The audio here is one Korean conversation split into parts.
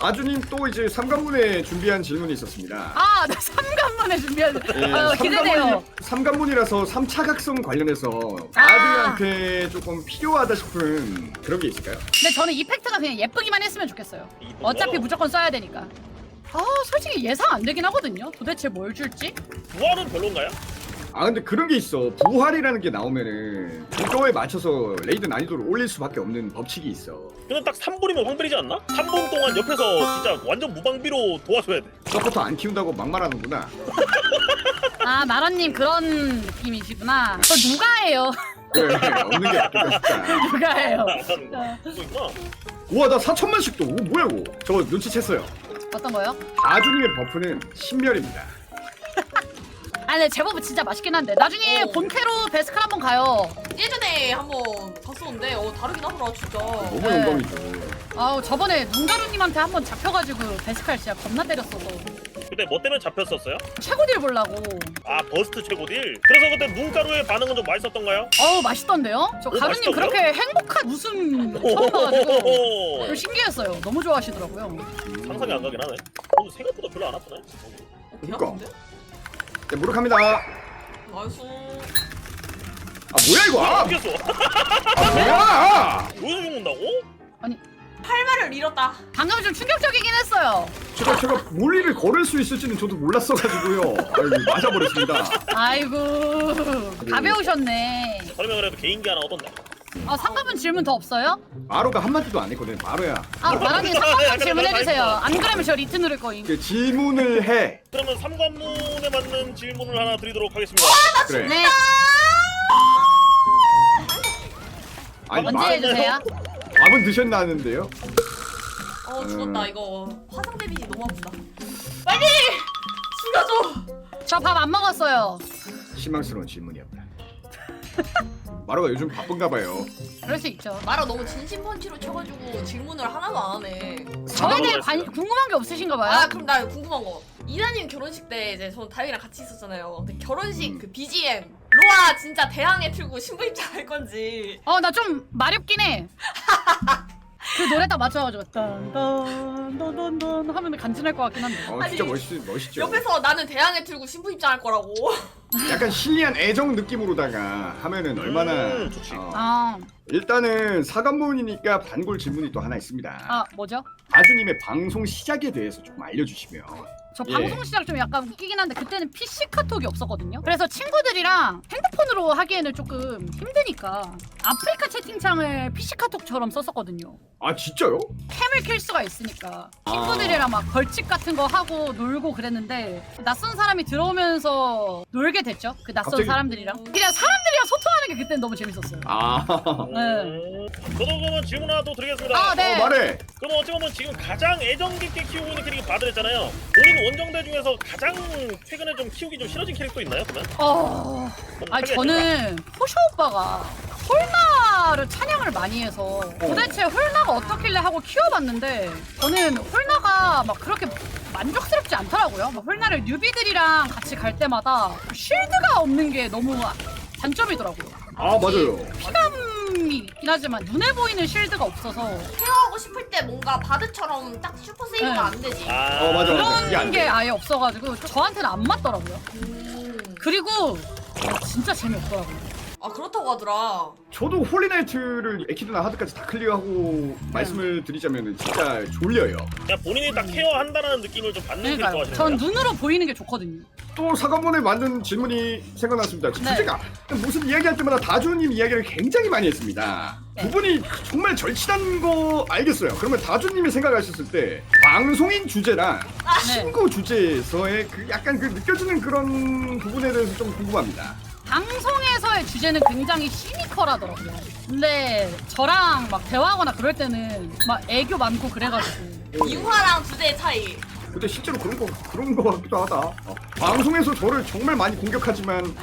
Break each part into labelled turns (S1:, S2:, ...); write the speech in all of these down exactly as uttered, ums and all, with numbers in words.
S1: 아주님 또 이제 삼관문에 준비한 질문이 있었습니다.
S2: 아, 나 삼관문에 준비한.
S1: 예,
S2: 아, 기대돼요.
S1: 삼관문이라서 삼차각성 관련해서
S2: 아.
S1: 아주님한테 조금 필요하다 싶은 그런 게 있을까요?
S2: 근데 저는 이펙트가 그냥 예쁘기만 했으면 좋겠어요. 어차피 무조건 써야 되니까. 아, 솔직히 예상 안 되긴 하거든요. 도대체 뭘 줄지?
S3: 부활은 별론가요?
S1: 아 근데 그런 게 있어. 부활이라는 게 나오면은 그거에 맞춰서 레이드 난이도를 올릴 수밖에 없는 법칙이 있어.
S3: 근데 딱 삼 분이면 황벨이지 않나? 삼 분 동안 옆에서 진짜 완전 무방비로 도와줘야 돼.
S1: 서포터 안 키운다고 막말하는구나.
S2: 아, 나라님 그런 느낌이시구나. 저 누가 해요?
S1: 그래 없는 게 낫겠다 싶다.
S2: 누가 해요?
S3: 아, 그거 있구나.
S1: 우와 나 사천만씩도. 오 뭐야 이거. 저거 눈치챘어요.
S2: 어떤 거요?
S1: 아주님의 버프는 신멸입니다.
S2: 아, 근데 제법 진짜 맛있긴 한데 나중에
S4: 어.
S2: 본캐로 베스칼 한번 가요.
S4: 예전에 한번 봤었는데 어 다르긴 하더라 진짜.
S1: 너무
S2: 네.
S1: 영광이죠.
S2: 아우, 저번에 눈가루님한테 한번 잡혀가지고 베스칼 진짜 겁나 때렸어서
S3: 그때 뭐 때문에 잡혔었어요?
S2: 최고 딜 보려고.
S3: 아 버스트 최고딜? 그래서 그때 눈가루의 반응은 좀 맛있었던가요?
S2: 어우, 맛있던데요? 저
S3: 오,
S2: 가루님
S3: 맛있다고요?
S2: 그렇게 행복한 웃음 처음 봐가지고
S3: 오호호호.
S2: 좀 신기했어요. 너무 좋아하시더라고요.
S3: 상상이 안 가긴 하네. 오늘 생각보다 별로 안 아프네.
S4: 어,
S1: 그니까.
S4: 개아픈데?
S1: 네, 무력합니다.
S4: 나이스.
S1: 아 뭐야 이거? 아,
S3: 죽였어.
S1: 아 뭐야?
S3: 여기서 죽는다고?
S4: 팔말을 잃었다.
S2: 방금 좀 충격적이긴 했어요.
S1: 제가 제가 몰리를 걸을 수 있을지는 저도 몰랐어가지고요. 아유 맞아버렸습니다.
S2: 아이고, 가벼우셨네.
S3: 설명을 해도 개인기 하나 얻었네.
S2: 아, 상관분 질문 더 없어요?
S1: 마로가 한마디도 안 했거든. 마로야.
S2: 아, 마라님 상관분 질문해주세요. 안 그러면 저 리트 누를 거임.
S1: 그 질문을 해.
S3: 그러면 삼관문에 맞는 질문을 하나 드리도록 하겠습니다.
S1: 그래.
S2: 네,
S1: 아니
S2: 언제
S1: 마-
S2: 해주세요?
S1: 밥은 드셨나는데요?
S4: 어 죽었다
S1: 음.
S4: 이거. 화상 데미지 너무 아프다. 빨리 죽여줘.
S2: 저 밥 안 먹었어요.
S1: 실망스러운 질문이었다. 마로가 요즘 바쁜가 봐요.
S2: 그럴 수 있죠.
S4: 마라 너무 진심 펀치로 쳐가지고 질문을 하나도 안 하네.
S2: 저에 대해
S3: 먹었어요.
S2: 관, 궁금한 게 없으신가 봐요.
S4: 아 그럼 나 궁금한 거. 이나님 결혼식 때 이제 전 다영이랑 같이 있었잖아요. 근데 결혼식
S1: 음.
S4: 그 비지엠 로아 진짜 대항해 틀고 신부 입장 할 건지.
S2: 어, 나 좀 마렵긴 해. 그 노래 딱 맞춰가지고 딴딴딴딴딴 하면 간지날 것 같긴 한데.
S1: 어
S4: 아니,
S1: 진짜 멋있 멋있죠.
S4: 옆에서 나는 대항해 틀고 신부 입장 할 거라고.
S1: 약간 신리한 애정 느낌으로다가 하면은 얼마나.
S3: 음, 좋지.
S1: 어.
S2: 아,
S1: 일단은 사관문이니까 반골 질문이 또 하나 있습니다.
S2: 아 뭐죠?
S1: 아주님의 방송 시작에 대해서 좀 알려주시면.
S2: 저
S1: 예.
S2: 방송 시작 좀 약간 웃기긴 한데 그때는 피씨 카톡이 없었거든요. 그래서 친구들이랑 핸드폰으로 하기에는 조금 힘드니까 아프리카 채팅창을 피씨 카톡처럼 썼었거든요.
S1: 아 진짜요?
S2: 캠을 킬 수가 있으니까 친구들이랑 막 벌칙 같은 거 하고 놀고 그랬는데 낯선 사람이 들어오면서 놀게 됐죠. 그 낯선
S1: 갑자기-
S2: 사람들이랑 그냥 사람들이랑 소통하는 게 그때는 너무 재밌었어요.
S1: 아.
S3: 음, 저도 그러면 질문 하나 또 드리겠습니다.
S2: 아, 네.
S1: 어, 말해.
S3: 그럼 어찌 보면 지금 가장 애정 깊게 키우고 있는 캐릭이 바드랬잖아요. 본인 원정대 중에서 가장 최근에 좀 키우기 좀 싫어진 캐릭터 있나요? 그러면?
S2: 어,
S3: 그럼
S2: 아니
S3: 하게
S2: 저는 포쇼 오빠가 홀나를 찬양을 많이 해서 도대체 홀나가 어떻길래 하고 키워봤는데 저는 홀나가 막 그렇게 만족스럽지 않더라고요. 막 홀나를 뉴비들이랑 같이 갈 때마다 쉴드가 없는 게 너무 단점이더라고요.
S1: 아 맞아요.
S2: 피감이 있긴 하지만 눈에 보이는 쉴드가 없어서
S4: 케어하고 싶을 때 뭔가 바드처럼 딱 슈퍼 세이브가
S2: 네.
S4: 안 되지.
S3: 아,
S1: 어, 맞아, 맞아. 그게
S2: 그런
S1: 안
S2: 게
S1: 돼.
S2: 아예 없어가지고 저한테는 안 맞더라고요.
S4: 음.
S2: 그리고 진짜 재미없더라고요.
S4: 아 그렇다고 하더라.
S1: 저도 홀리나이트를 에키드나 하드까지 다 클리어하고 말씀을 드리자면 진짜 졸려요.
S3: 그냥 본인이 딱 케어한다는 느낌을 좀 받는 캐릭터
S2: 그러니까요.
S3: 하시는
S2: 전
S3: 거예요?
S2: 눈으로 보이는 게 좋거든요.
S1: 또 사관문에 맞는 질문이 생각났습니다.
S2: 네.
S1: 주제가 무슨 이야기할 때마다 다주님 이야기를 굉장히 많이 했습니다.
S2: 네.
S1: 두 분이 정말 절친한 거 알겠어요. 그러면 다주님이 생각하셨을 때 방송인 주제랑
S2: 네.
S1: 친구 주제에서의 그 약간 그 느껴지는 그런 부분에 대해서 좀 궁금합니다.
S2: 방송에서의 주제는 굉장히 시니컬하더라고요. 근데 저랑 막 대화하거나 그럴 때는 막 애교 많고 그래가지고
S4: 융화랑 주제의 차이.
S1: 근데 실제로 그런 거 그런 거 같기도 하다. 어. 방송에서 저를 정말 많이 공격하지만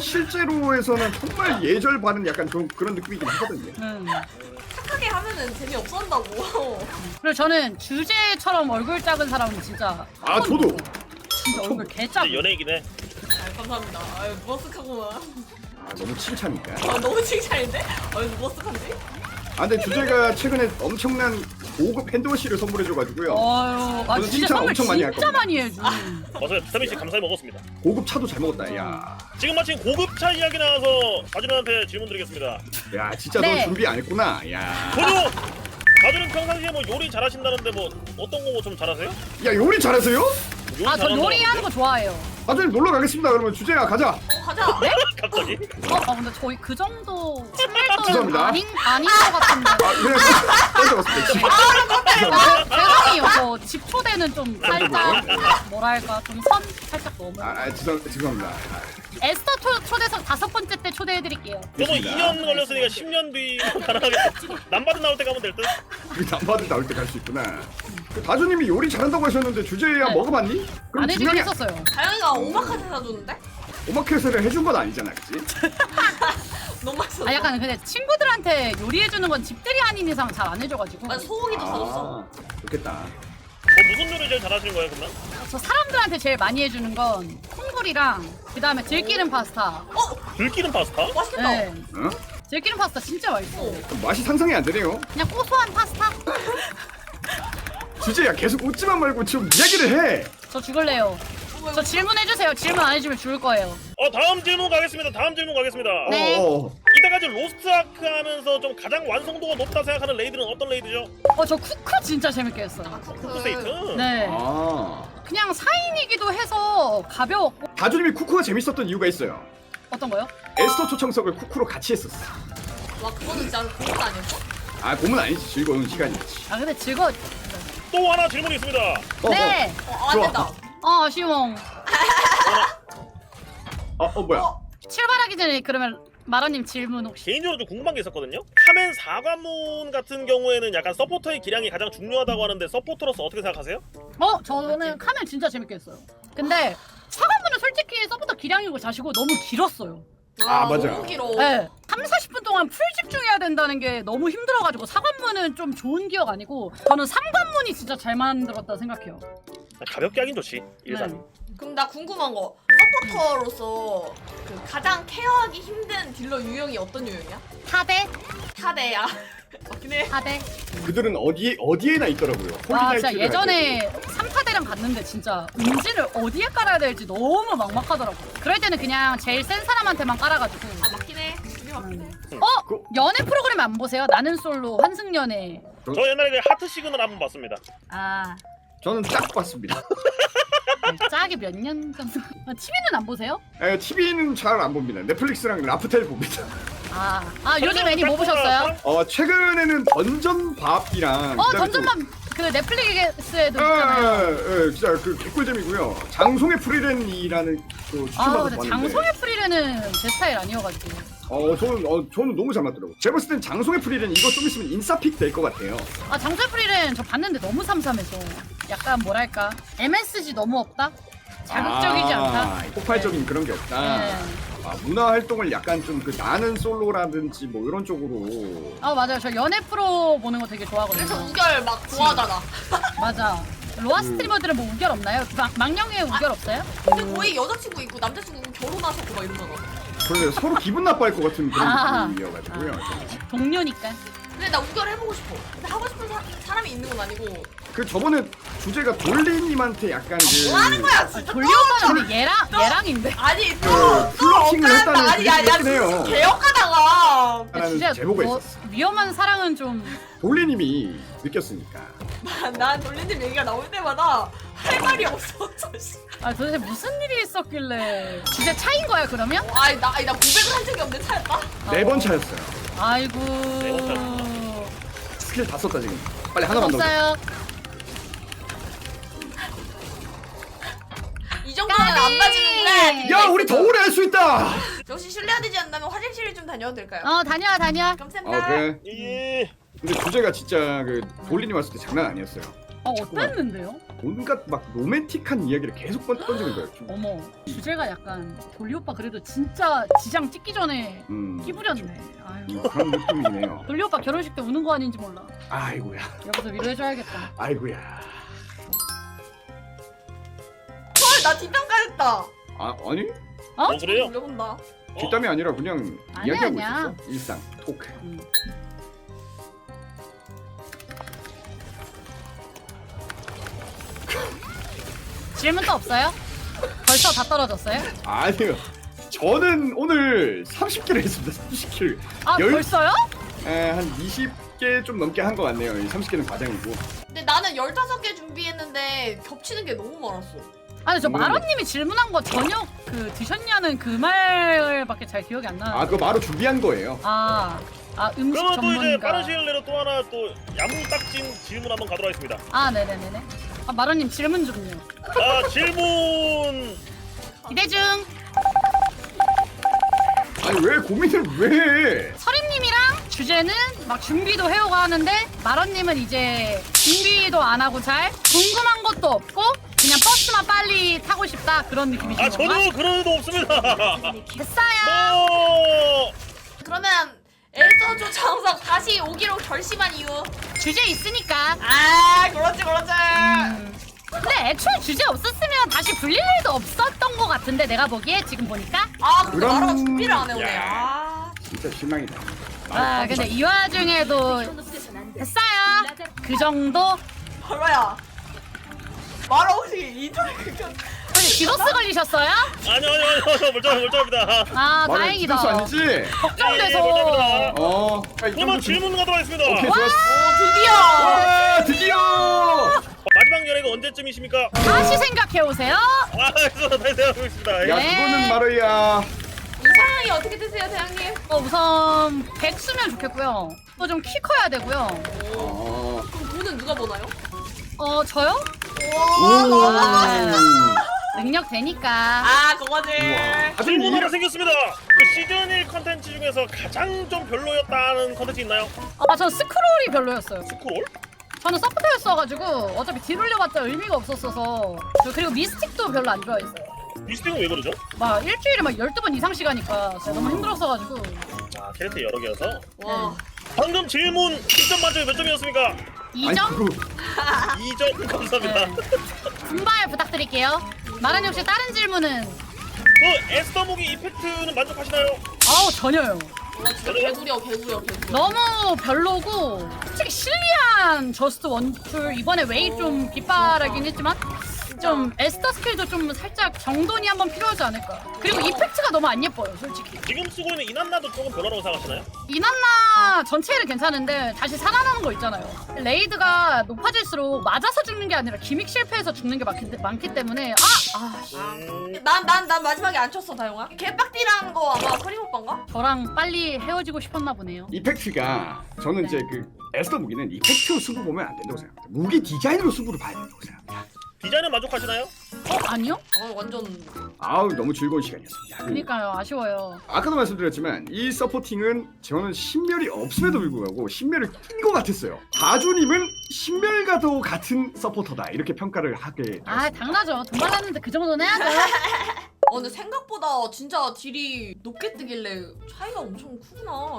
S1: 실제로에서는 정말 예절 바른 약간 좀 그런 느낌이긴 하거든요.
S2: 음.
S4: 착하게 하면은 재미 없어진다고.
S2: 그리고 저는 주제처럼 얼굴 작은 사람은 진짜
S1: 아 저도
S2: 진짜 얼굴 개작.
S3: 진짜 연예이긴 해.
S4: 아 감사합니다. 아유 머쓱하구만.
S1: 아, 너무 칭찬이니까.
S4: 아 너무 칭찬인데? 아유 머쓱한데?
S1: 아 근데 주제가 최근에 엄청난 고급 핸드워시를 선물해줘가지고요.
S2: 어휴, 아
S1: 저는
S2: 진짜
S1: 칭찬
S2: 선물
S1: 엄청 많이 할
S2: 진짜
S1: 겁니다.
S2: 많이 해줘.
S3: 맞아요. 비타민 C 감사히 먹었습니다.
S1: 고급 차도 잘 먹었다. 야,
S3: 지금 마침 고급차 이야기 나와서 가준한테 질문 드리겠습니다.
S1: 야 진짜
S2: 네.
S1: 너 준비 안 했구나. 야,
S3: 저도 가준은 평상시에 뭐 요리 잘하신다는데 뭐 어떤 거 좀 잘하세요?
S1: 야 요리 잘하세요?
S3: 요리
S2: 아 저
S3: 잘한다고
S2: 요리하는
S3: 하는데?
S2: 거 좋아해요.
S1: 나중에 놀러 가겠습니다. 그러면 주제야 가자.
S4: 어, 가자.
S2: 네?
S3: 갑자기?
S2: 어, 아 근데 저희 그 정도 친밀도는
S1: 죄송합니다.
S2: 아닌 아닌 것 같은데.
S1: 아 그냥 던져봤습니다.
S2: 아, 죄송해요. 저 집 초대는 좀 살짝 뭐랄까 좀 선 살짝 넘어.
S1: 아, 아 죄송 죄송합니다. 아,
S2: 에스터 초, 초대석 다섯 번째 때 초대해드릴게요.
S3: 저도
S1: 됐습니다.
S3: 이 년 걸렸으니까 십 년 뒤 가능하겠죠. 남바드 나올 때 가면 될 듯?
S1: 우리 남바들 나올 때 갈 수 있구나. 그 다주님이 요리 잘한다고 하셨는데 주제야
S2: 네.
S1: 먹어봤니? 그럼
S2: 안 해주긴
S1: 분명히
S2: 했었어요.
S4: 다영이가 오마카세 사줬는데?
S1: 오마카세를 해준 건 아니잖아, 그치?
S4: 너무 맛있었어.
S2: 아 약간 근데 친구들한테 요리해주는 건 집들이 아닌 이상 잘 안 해줘가지고.
S4: 아, 소고기도 사줬어.
S1: 아, 좋겠다.
S3: 뭐 무슨 요리 제일 잘하시는 거예요, 그러면?
S2: 저 사람들한테 제일 많이 해주는 건 콩불이랑 그 다음에 들기름 파스타.
S3: 들기름 파스타?
S4: 맛있겠다.
S2: 네.
S1: 어?
S2: 들기름 파스타 진짜 맛있어.
S1: 맛이 상상이 안 되네요.
S2: 그냥 고소한 파스타?
S1: 주제야 계속 웃지만 말고 좀 이야기를 해.
S2: 저 죽을래요. 저 질문해주세요. 질문 안 해주면 죽을 거예요.
S3: 어 다음 질문 가겠습니다. 다음 질문 가겠습니다.
S2: 네.
S1: 어, 어.
S3: 이때까지 로스트 아크 하면서 좀 가장 완성도가 높다 생각하는 레이드는 어떤 레이드죠?
S2: 어 저 쿠크 진짜 재밌게 했어요.
S4: 아, 쿠크.
S3: 쿠크세이트?
S2: 네.
S1: 아.
S2: 그냥 사 인이기도 해서 가벼웠고.
S1: 다주님이 쿠쿠가 재밌었던 이유가 있어요.
S2: 어떤 거요?
S1: 에스터 초청석을 쿠쿠로 같이 했었어.
S4: 와, 그거는 진짜 고급 아니었어?
S1: 아, 고문 아니지. 즐거운 시간이었지.
S2: 아 근데 즐거.
S3: 또 하나 질문이 있습니다.
S1: 어,
S2: 네.
S4: 어, 안
S1: 좋아.
S4: 된다.
S2: 어 아쉬워.
S1: 어, 어, 어 뭐야?
S4: 어,
S2: 출발하기 전에 그러면 마라님 질문 혹시?
S3: 개인적으로 좀 궁금한 게 있었거든요. 카멘 사관문 같은 경우에는 약간 서포터의 기량이 가장 중요하다고 하는데 서포터로서 어떻게 생각하세요?
S2: 어 저는 카멘 진짜 재밌게 했어요. 근데 사관문은 솔직히 서부터 기량이고 자시고 너무 길었어요.
S1: 아, 맞아.
S4: 너무 길어.
S2: 네. 삼, 사십 분 동안 풀 집중해야 된다는 게 너무 힘들어가지고 사관문은 좀 좋은 기억 아니고 저는 삼관문이 진짜 잘 만들었다 생각해요.
S3: 가볍게 하긴 좋지. 일단.
S2: 네.
S4: 그럼 나 궁금한 거. 서포터로서 그 가장 케어하기 힘든 딜러 유형이 어떤 유형이야?
S2: 사대?
S4: 타대야. 맞긴 해.
S2: 사대?
S1: 그들은 어디에 어디에나 있더라고요.
S2: 와 진짜
S1: 홀리나이트를
S2: 예전에 삼타대랑 갔는데 진짜 음지를 어디에 깔아야 될지 너무 막막하더라고. 그럴 때는 그냥 제일 센 사람한테만 깔아가지고.
S4: 아, 맞긴 해. 그게 맞긴 해.
S2: 어?
S1: 그-
S2: 연애 프로그램 안 보세요? 나는 솔로 환승연애.
S3: 저 옛날에 그 하트 시그널 한번 봤습니다.
S2: 아
S1: 저는 딱 봤습니다.
S2: 짝이 몇 년 정도? 티비는 안 보세요?
S1: 에, 티비는 잘 안 봅니다. 넷플릭스랑 라프텔 봅니다.
S2: 아, 아 요즘 애니 뭐 보셨어요?
S1: 어, 최근에는 던전 밥이랑
S2: 어
S1: 그다음에
S2: 던전만 그 넷플릭스에도
S1: 또- 아,
S2: 있잖아요.
S1: 예, 진짜 그 개꿀잼이고요. 장송의 프리랜이라는 또
S2: 아
S1: 추천받아서
S2: 근데
S1: 봤는데.
S2: 장송의 프리레는 제 스타일 아니어가지고.
S1: 어, 저는 어, 저는 너무 잘 맞더라고. 제가 봤을 땐 장송의 프리랜 이거 좀 있으면 인싸픽 될 것 같아요.
S2: 아 장송의 프리레는 저 봤는데 너무 삼삼해서 약간 뭐랄까 엠에스지 너무 없다? 자극적이지
S1: 아,
S2: 않다?
S1: 폭발적인 그런 게 없다.
S2: 네.
S1: 아, 문화 활동을 약간 좀 그 나는 솔로라든지 뭐 이런 쪽으로.
S2: 아 맞아요 저 연애 프로 보는 거 되게 좋아하거든요.
S4: 그래서 우결 막 좋아하잖아.
S2: 맞아. 로아
S1: 그-
S2: 스트리머들은 뭐 우결 없나요? 막, 망령에 우결 없어요?
S4: 근데 거의 여자친구 있고 남자친구 결혼하셨고 막 이러잖아.
S1: 그런데 서로 기분 나빠할 것 같은 그런
S2: 아.
S1: 느낌이어가지고요.
S2: 동료니까.
S4: 근데 나 우결 해보고 싶어. 근데 하고 싶은 사, 사람이 있는 건 아니고.
S1: 그 저번에 주제가 돌리님한테 약간 그
S4: 뭐 하는 거야
S2: 아,
S4: 진짜.
S2: 돌리 오빠는 근데 얘랑 얘랑인데.
S4: 아니
S1: 그
S4: 또또
S1: 플러팅을
S4: 억울한다.
S1: 했다는
S4: 아니 아니
S1: 얘기긴 해요.
S4: 아니 개혁하다가
S1: 라는
S2: 진짜
S1: 제보가
S2: 뭐
S1: 있었어.
S2: 위험한 사랑은 좀.
S1: 돌리님이 느꼈으니까.
S4: 난 돌린님 얘기가 나올 때마다 할 말이 없었어. 씨.
S2: 아 도대체 무슨 일이 있었길래. 진짜 차인 거야 그러면?
S4: 아니 나 아니 나 고백을 한 적이 없는데 차였다.
S1: 네 번 차였어요.
S2: 아이고.
S1: 스킬 다 썼다 지금. 빨리 하나만 더.
S2: 없어요.
S4: 이 정도는 안 맞는데.
S1: 야, 우리 더 오래 할 수 있다.
S4: 역시 실례가 되지 않다면 화장실을 좀 다녀도 될까요?
S2: 어 다녀와 다녀.
S4: 감사합니다.
S1: 어 그래.
S3: 예.
S1: 근데 주제가 진짜 그 돌리님 왔을 때 장난 아니었어요.
S2: 어 어땠는데요?
S1: 온갖 막 로맨틱한 이야기를 계속 번- 던지는 거예요. 좀.
S2: 어머 주제가 약간 돌리 오빠 그래도 진짜 지장 찍기 전에
S1: 음,
S2: 끼부렸네. 아유.
S1: 음, 그런 느낌이네요.
S2: 돌리 오빠 결혼식 때 우는 거 아닌지 몰라.
S1: 아이고야.
S2: 여기서 위로해줘야겠다.
S1: 아이고야.
S4: 헐, 나 뒷담까였다.
S1: 아 아니?
S2: 어?
S3: 어 그래요?
S4: 돌려본다.
S1: 뒷담이 아니라 그냥
S2: 아니야,
S1: 이야기하고
S2: 아니야.
S1: 있었어. 일상 토크.
S2: 음. 질문 또 없어요? 벌써 다 떨어졌어요?
S1: 아니요. 저는 오늘 삼십 킬을 했습니다. 삼십 킬.
S2: 아
S1: 열-
S2: 벌써요?
S1: 에, 한 이십 개 좀 넘게 한 것 같네요. 이 삼십 개는 과장이고.
S4: 근데 나는 열다섯 개 준비했는데 겹치는 게 너무 많았어.
S2: 아니 저
S1: 음.
S2: 마로님이 질문한 거 저녁 그 드셨냐는 그 말밖에 잘 기억이 안 나는데
S1: 아, 그거 바로 준비한 거예요.
S2: 아, 아 음식
S3: 그러면 또 이제
S2: 전문가
S3: 빠른 시일 내로 또 하나 또 야무딱진 질문 한번 가도록 하겠습니다.
S2: 아 네네네네 아 마로님 질문 좀요
S3: 아 질문
S2: 기대 중
S1: 아니, 왜 고민을 왜 해?
S2: 서림님이랑 주제는 막 준비도 해오고 하는데 마로님은 이제 준비도 안 하고 잘 궁금한 것도 없고 그냥 버스만 빨리 타고 싶다 그런 느낌이신
S3: 아
S2: 건가?
S3: 저도 그런 의도 없습니다.
S2: 됐어요
S3: 뭐
S4: 그러면 에서조 장석 다시 오기로 결심한 이유.
S2: 주제 있으니까
S4: 아 그렇지 그렇지.
S2: 음. 근데 애초에 주제 없었으면 다시 불릴 일도 없었던 것 같은데 내가 보기에 지금 보니까
S4: 아 근데
S1: 그럼-
S4: 마라가 준비를 안 해오네.
S1: 야.
S4: 아.
S1: 진짜 실망이다.
S2: 아 근데 이 와중에도 됐어요 그 정도?
S4: 마라야. 마라 혹시 이탈 극혐.
S2: 근데 디도스 걸리셨어요?
S3: 아니요 아니요 아니요 멀쩡 멀쩡합니다.
S2: 아
S1: 말은
S2: 다행이다
S1: 디도스 아니지?
S3: 예, 예,
S2: 걱정돼서
S3: 멀쩡합니다.
S1: 어. 아, 이
S3: 그러면
S1: 정도 준-
S3: 질문 가도록 하겠습니다.
S1: 오케이,
S4: 오
S1: 좋았어.
S4: 드디어.
S1: 와, 드디어!
S3: 마지막 연애가 언제쯤이십니까?
S2: 다시 생각해오세요
S3: 아 그래서 다시 생각하고 있습니다.
S1: 야,
S2: 네.
S1: 그거는 마루야.
S4: 이상형이 어떻게 되세요 대장님?
S2: 어, 우선 백수면 좋겠고요 또 좀 키 커야 되고요
S1: 어.
S4: 그럼 돈은 누가 버나요?
S2: 어 저요?
S4: 와 너무
S2: 아,
S4: 멋있다.
S2: 능력 되니까
S4: 아 그거지.
S1: 우와. 다들
S3: 질문
S1: 이
S3: 하나 생겼습니다. 그 시즌 일 컨텐츠 중에서 가장 좀 별로였다는 컨텐츠 있나요?
S2: 아 전 스크롤이 별로였어요
S3: 스크롤?
S2: 저는 서포터였어가지고 어차피 딜 올려봤자 의미가 없었어서 저 그리고 미스틱도 별로 안 좋아했어요
S3: 미스틱은 왜 그러죠?
S2: 막 일주일에 막 열두 번 이상씩 하니까 진짜 너무 힘들었어가지고
S3: 아 캐릭터 여러 개여서
S4: 와.
S3: 방금 질문 일 점 만점에 몇 점이었습니까?
S2: 이
S1: 아니,
S2: 점
S1: 그거
S3: 이 점 감사합니다.
S2: 네. 분발 부탁드릴게요 마라님 혹시 다른 질문은?
S3: 그 에스더목이 이펙트는 만족하시나요?
S2: 아우 전혀요
S4: 와 진짜 개구려 개구려 개구려.
S2: 너무 별로고 솔직히 실리안 저스트 원툴 이번에 웨이 좀 빗바라긴 했지만 좀 에스터 스킬도 좀 살짝 정돈이 한번 필요하지 않을까 그리고 이펙트가 너무 안 예뻐요 솔직히
S3: 지금 쓰고 있는 이난나도 조금 별로라고 생각하시나요?
S2: 이난나 전체는 괜찮은데 다시 살아나는 거 있잖아요 레이드가 높아질수록 맞아서 죽는 게 아니라 기믹 실패해서 죽는 게 많기, 많기 때문에 아! 아 씨.
S3: 음...
S4: 난난 난 마지막에 안 쳤어 다영아. 개빡디라는 거 아마 서림 오빠인가?
S2: 저랑 빨리 헤어지고 싶었나 보네요
S1: 이펙트가 저는
S2: 네.
S1: 이제 그 에스더 무기는 이펙트로 승부 보면 안 된다고 생각합니다. 무기 디자인으로 승부를 봐야 된다고 생각합니다.
S3: 디자인은 만족하시나요?
S2: 어? 아니요?
S4: 어 완전.
S1: 아우, 너무 즐거운 시간이었습니다.
S2: 그니까요 아쉬워요
S1: 아까도 말씀드렸지만 이 서포팅은 저는 신멸이 없음에도 불구하고 신멸을 낀 것 같았어요. 다주님은 신멸과도 같은 서포터다 이렇게 평가를 하게
S2: 아
S1: 되었습니다.
S2: 당나죠 돈 받았는데 그 정도는 해야죠
S4: 어 근데 생각보다 진짜 딜이 높게 뜨길래 차이가 엄청 크구나.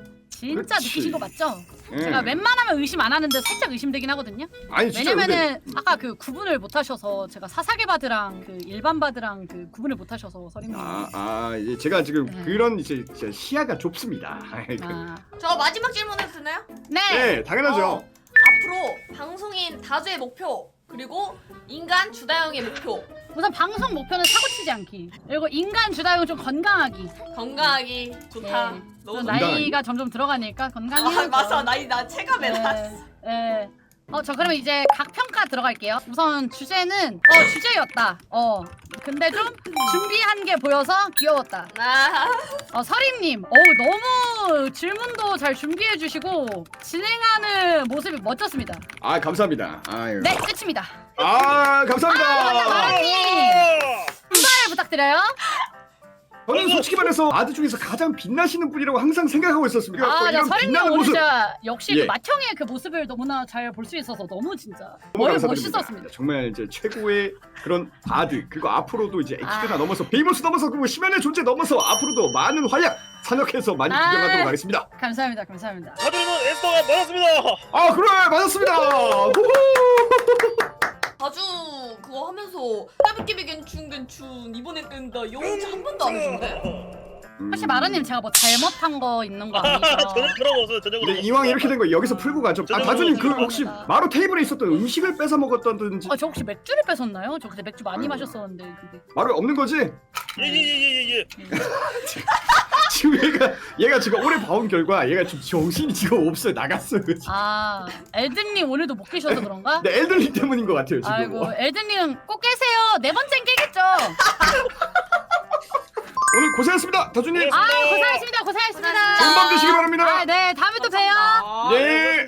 S2: 진짜
S1: 그렇지.
S2: 느끼신 거 맞죠?
S1: 예.
S2: 제가 웬만하면 의심 안 하는데 살짝 의심되긴 하거든요
S1: 아니 진짜
S2: 왜냐면은 아까 그 구분을 못 하셔서 제가 사사계 바드랑 그 일반 바드랑 그 구분을 못 하셔서 서림님
S1: 아, 아, 이제 제가 지금
S2: 네.
S1: 그런 이제 제 시야가 좁습니다.
S2: 아.
S4: 저 마지막 질문 해도 되나요?
S2: 네!
S1: 네, 당연하죠.
S4: 어, 앞으로 방송인 다주의 목표 그리고 인간 주다영의 목표
S2: 우선 방송 목표는 사고치지 않기 그리고 인간 주다용 좀 건강하기
S4: 건강하기 좋다.
S2: 네.
S4: 너무
S2: 저
S4: 좋다.
S2: 나이가 점점 들어가니까 건강히
S4: 아 맞아 나이 나 체감해 나.
S2: 네. 네. 어, 저 그러면 이제 각 평가 들어갈게요. 우선 주제는 어 주제였다. 어 근데 좀 준비한 게 보여서 귀여웠다.
S4: 아
S2: 어 서림님, 어우 너무 질문도 잘 준비해 주시고 진행하는 모습이 멋졌습니다.
S1: 아, 감사합니다. 아유.
S2: 네, 끝입니다.
S1: 아, 감사합니다.
S2: 마라님 분발 부탁드려요.
S1: 저는 솔직히 말해서 아드 중에서 가장 빛나시는 분이라고 항상 생각하고 있었습니다.
S2: 아, 나
S1: 이런
S2: 서림님
S1: 빛나는
S2: 오늘
S1: 모습
S2: 진짜 역시
S1: 예.
S2: 그 맏형의 그 모습을 너무나 잘 볼 수 있어서 너무 진짜
S1: 너무
S2: 너무
S1: 감사드립니다.
S2: 멋있었습니다.
S1: 정말 이제 최고의 그런 바드 그리고 앞으로도 이제 엑스트나
S2: 아.
S1: 넘어서 베이모스 넘어서 그리고 심연의 존재 넘어서 앞으로도 많은 활약 산역해서 많이
S2: 아.
S1: 구경하도록 하겠습니다.
S2: 감사합니다, 감사합니다.
S3: 다주는 에스더가 맞았습니다.
S1: 아, 그래, 맞았습니다. 후후.
S4: 다주 그거 하면서 따비끼비 괜춘 괜춘 이번에 끈다 영웅 한 번도 안 해준대?
S2: 혹시 마라님 제가 뭐 잘못한 거 있는 거 아니죠?
S3: 저는 그런 거 없어요. 전적으로.
S1: 근데 이왕 이렇게 된 거 여기서 풀고 가죠. 아 다주님 그 혹시 마루 테이블에 있었던 음식을 뺏어 먹었다든지
S2: 아, 저 혹시 맥주를 뺏었나요? 저 그때 맥주 많이 마셨었는데 그게.
S1: 마루 없는 거지?
S3: 예예예예 예.
S1: 지금 얘가 얘가 지금 오래 봐온 결과 얘가 지금 정신이 지금 없어요. 나갔어요 지금.
S2: 아, 엘든님 오늘도 못 계셔서 그런가?
S1: 네 엘들링 때문인 것 같아요 지금.
S2: 아이고, 엘든님 꼭 깨세요. 네 번째는 깨겠죠?
S1: 오늘 고생했습니다 다주님.
S2: 아, 고생하셨습니다. 고생하셨습니다.
S1: 좋은 밤 되시기 바랍니다.
S2: 아, 네, 다음에 또 봬요.
S4: 감사합니다.
S1: 네.